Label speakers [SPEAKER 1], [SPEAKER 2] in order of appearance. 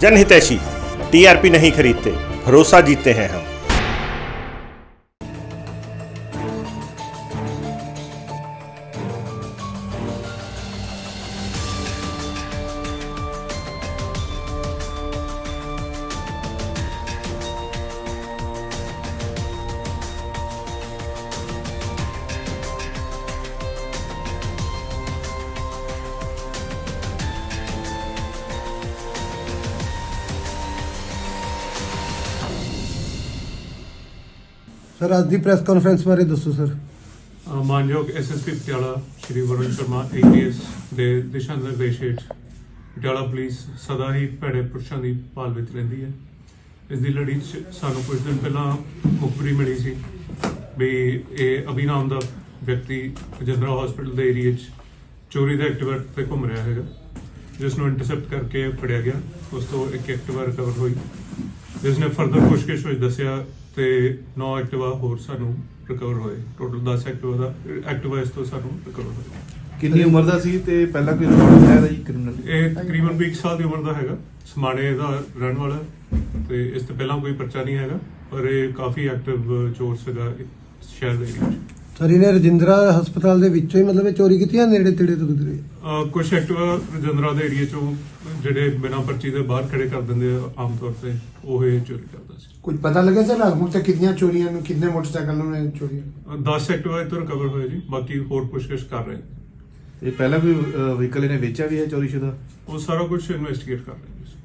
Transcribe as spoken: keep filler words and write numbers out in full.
[SPEAKER 1] जनहितैषी, TRP नहीं खरीदते, भरोसा जीतते हैं हम।
[SPEAKER 2] सर आज की प्रेस कॉन्फ्रेंस बारे दसो सर।
[SPEAKER 3] ਅ, ਮਾਨਯੋਗ ਐਸਐਸਪੀ ਪਟਿਆਲਾ ਸ਼੍ਰੀ ਵਰੁਣ ਸ਼ਰਮਾ ਏਪੀਐਸ ਦੇ ਦਿਸ਼ਾ ਨਿਰਦੇਸ਼ ਹੇਠ ਪਟਿਆਲਾ ਪੁਲਿਸ ਸਦਾ ਹੀ ਭੈੜੇ ਪੁਰਸ਼ਾਂ ਦੀ ਭਾਲ ਵਿੱਚ ਰਹਿੰਦੀ ਹੈ। ਇਸ ਦੀ ਲੜੀ 'ਚ ਸਾਨੂੰ ਕੁਝ ਦਿਨ ਪਹਿਲਾਂ ਮੁਖਬਰੀ ਮਿਲੀ ਸੀ ਵੀ ਇਹ ਅਭੀ ਨਾਮ ਦਾ ਵਿਅਕਤੀ ਰਜਿੰਦਰਾ ਹਸਪੀਟਲ ਦੇ ਏਰੀਏ 'ਚ ਚੋਰੀ ਦਾ ਐਕਟਿਵਾ ਤੇ ਘੁੰਮ ਰਿਹਾ ਹੈਗਾ, ਜਿਸ ਨੂੰ ਇੰਟਰਸੈਪਟ ਕਰਕੇ ਫੜਿਆ ਗਿਆ। ਉਸ ਤੋਂ ਇੱਕ ਐਕਟਿਵਾ ਰਿਕਵਰ ਹੋਈ, ਜਿਸ ਨੇ ਫਰਦਰ ਪੁੱਛਗਿੱਛ ਵਿੱਚ ਦੱਸਿਆ ਤੇ ਨੌ ਐਕਟਿਵਾ ਹੋਰ ਸਾਨੂੰ ਰਿਕਵਰ ਹੋਏ। ਟੋਟਲ ਦਸ ਐਕਟਿਵਾ ਦਾ ਐਕਟਿਵਾ ਇਸ ਤੋਂ ਸਾਨੂੰ ਰਿਕਵਰ ਹੋਏ।
[SPEAKER 4] ਕਿੰਨੀ ਉਮਰ ਦਾ ਸੀ ਤੇ ਪਹਿਲਾਂ ਕੋਈ ਰਿਕਾਰਡ ਹੈ ਦਾ ਜੀ ਕ੍ਰਿਮੀਨਲ?
[SPEAKER 3] ਇਹ ਤਕਰੀਬਨ ਵੀਹ ਸਾਲ ਦੀ ਉਮਰ ਦਾ ਹੈਗਾ, ਸਮਾਣੇ ਦਾ ਰਹਿਣ ਵਾਲਾ ਤੇ ਇਸ ਤੋਂ ਪਹਿਲਾਂ ਕੋਈ ਪਰਚਾ ਨਹੀਂ ਹੈਗਾ, ਪਰ ਇਹ ਕਾਫੀ ਐਕਟਿਵ ਚੋਰ ਸੀਗਾ ਸ਼ਹਿਰ ਦੇ ਏਰੀਆ 'ਚ।
[SPEAKER 2] ਸਰ ਇਹਨੇ ਰਜਿੰਦਰਾ ਹਸਪਤਾਲ ਦੇ ਵਿੱਚੋਂ ਹੀ ਮਤਲਬ ਇਹ ਚੋਰੀ ਕੀਤੀ ਆ ਨੇੜੇ ਤੇੜੇ ਤੋਂ ਕਿਧਰੇ?
[SPEAKER 3] ਅਹ ਕੁਛ ਐਕਟਿਵਾ ਰਜਿੰਦਰਾ ਦੇ ਏਰੀਆ 'ਚੋਂ ਜਿਹੜੇ ਬਿਨਾਂ ਪਰਚੀ ਦੇ ਬਾਹਰ ਖੜੇ ਕਰ ਦਿੰਦੇ ਆ ਆਮ ਤੌਰ ਤੇ, ਉਹ ਇਹ ਚੋਰੀ ਕਰਦਾ ਸੀ।
[SPEAKER 5] कुछ पता लगे सर आज तक कितनी चोरियां कितने मोटरसाइकिलों में चोरी?
[SPEAKER 3] ਦਸ ਐਕਟਿਵਾ ਇੱਥੋਂ ਰਿਕਵਰ ਹੋਏ ਜੀ, ਬਾਕੀ ਹੋਰ ਪੁੱਛਗਿੱਛ ਕਰ ਰਹੇ ਨੇ।
[SPEAKER 4] ਇਹ ਪਹਿਲਾਂ ਕੋਈ ਵਹੀਕਲ ਇਹਨੇ ਵੇਚਿਆ ਵੀ ਹੈ ਚੋਰੀਸ਼ੁਦਾ?
[SPEAKER 3] ਉਹ ਸਾਰਾ ਕੁਝ ਇਨਵੈਸਟੀਗੇਟ ਕਰ ਰਹੇ ਨੇ।